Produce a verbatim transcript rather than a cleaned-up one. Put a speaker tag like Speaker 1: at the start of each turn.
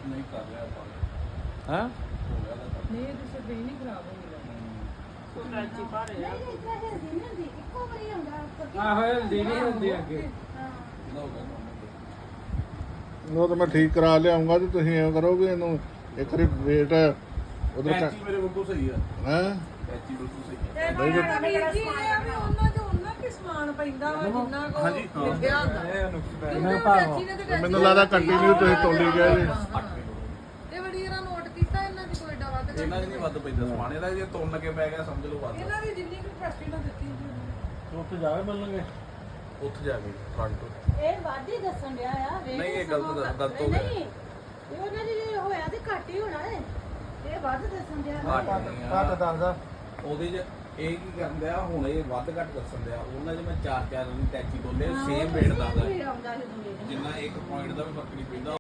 Speaker 1: ਨਹੀਂ ਕਰ ਲਿਆ ਆਪਾਂ
Speaker 2: ਹਾਂ
Speaker 1: ਹੋ ਗਿਆ ਤਾਂ
Speaker 3: ਨਹੀਂ ਇਹ ਤਾਂ ਸਭੇ ਨਹੀਂ ਖਰਾਬ ਹੋ ਗਿਆ
Speaker 4: ਕੋਈ ਟੈਚੀ ਭਾਰੇ ਆ
Speaker 5: ਇੱਕੋ ਵਾਰੀ ਹੁੰਦਾ
Speaker 2: ਆਹੋ ਹਲਦੀ ਨਹੀਂ ਹੁੰਦੀ ਅੱਗੇ
Speaker 1: ਇਹਦਾ ਹੋ ਗਿਆ ਕੰਮ
Speaker 6: ਉਹ ਤਾਂ ਮੈਂ ਠੀਕ ਕਰਾ ਲਿਆਉਂਗਾ ਤੇ ਤੁਸੀਂ ਐਂ ਕਰੋਗੇ ਇਹਨੂੰ ਇੱਕ ਵਾਰੀ ਵੇਟ ਉਧਰ
Speaker 1: ਟੈਚੀ ਮੇਰੇ ਬਿਲਕੁਲ ਸਹੀ ਆ
Speaker 6: ਹੈ
Speaker 1: ਟੈਚੀ ਬਿਲਕੁਲ ਸਹੀ ਆ
Speaker 3: ਤੇ
Speaker 6: ਨਹੀਂ
Speaker 3: ਨਾ ਵੀਰ ਜੀ ਇਹ ਆ ਵੀ ਉਹਨਾਂ ਚ ਉਹਨਾਂ ਕੀ ਸਮਾਨ ਪੈਂਦਾ ਵਾ ਜਿੰਨਾ ਕੋ
Speaker 1: ਹਾਂਜੀ, ਹਾਂ।
Speaker 3: ਲਿਖਿਆ ਹੁੰਦਾ
Speaker 2: ਇਹ ਨੁਕਸ ਪੈ
Speaker 3: ਕਿਉਂਕਿ ਟੈਚੀ ਨੇ ਤੇ ਟੈਚੀ
Speaker 6: ਮੈਨੂੰ ਲੱਗਦਾ ਕੰਟੀਨਿਊ ਤੁਸੀਂ ਤੋਲੀ ਗਏ ਜੀ
Speaker 1: ਅੱਠ ਕਿਲੋ
Speaker 3: ਤੇ ਬੜੀ ਇਹਨਾਂ ਨੋਟ ਕੀਤਾ ਇਹਨਾਂ ਦੀ ਕੋਈ ਏਡਾ ਵੱਧ ਘੱਟ
Speaker 1: ਇਹਨਾਂ ਦੀ ਨਹੀਂ ਵੱਧ ਪੈਂਦਾ ਸਮਾਨ ਇਹਦਾ ਜੇ ਤੁੰਨ ਕੇ ਪੈ ਗਿਆ ਸਮਝ ਲਓ ਵੱਧ
Speaker 3: ਇਹਨਾਂ ਦੀ ਜਿੰਨੀ ਕੁ ਕਪੈਸਿਟੀ ਨਾਲ ਦਿੱਤੀ ਸੀ ਉਹਨੇ।
Speaker 2: ਉੱਥੇ ਜਾਵੇ ਮਿਲਣਗੇ
Speaker 1: ਉੱਥੇ ਜਾ ਕੇ ਫਰੰਟ
Speaker 5: ਇਹ ਵਾਧੀ ਦੱਸਣ ਡਿਆ ਆ ਵੇਖ
Speaker 1: ਨਹੀਂ, ਇਹ ਗਲਤ
Speaker 5: ਸਮਾਂ
Speaker 1: ਗਲਤ ਹੋ ਗਿਆ।
Speaker 5: ਨਹੀਂ ਇਹ ਉਹਨਾਂ ਦੀ ਜੇ ਹੋਇਆ ਤੇ ਘੱਟ ਹੀ ਹੋਣਾ ਹੈ ਇਹ ਵੱਧ ਦੱਸਣ ਡਿਆ
Speaker 1: ਘੱਟ ਨਹੀਂ ਆ।
Speaker 2: ਘੱਟ ਦੱਸਦਾ
Speaker 1: ਉਹਦੇ 'ਚ ਇਹ ਕੀ ਕਰਨ ਦਿਆ ਹੁਣ ਇਹ ਵੱਧ ਘੱਟ ਦੱਸਣ ਦਿਆ ਉਹਨਾਂ 'ਚ ਮੈਂ ਚਾਰ ਚਾਰ ਦੀ ਟੈਚੀ ਬੋਲੇ ਸੇਮ ਵੇਟ ਦਾ
Speaker 5: ਆਉਂਦਾ ਸੀ ਦੁਨੀਆ
Speaker 1: ਜਿੰਨਾ ਇੱਕ ਪੁਆਇੰਟ ਦਾ ਵੀ ਫਰਕ ਨਹੀਂ ਪੈਂਦਾ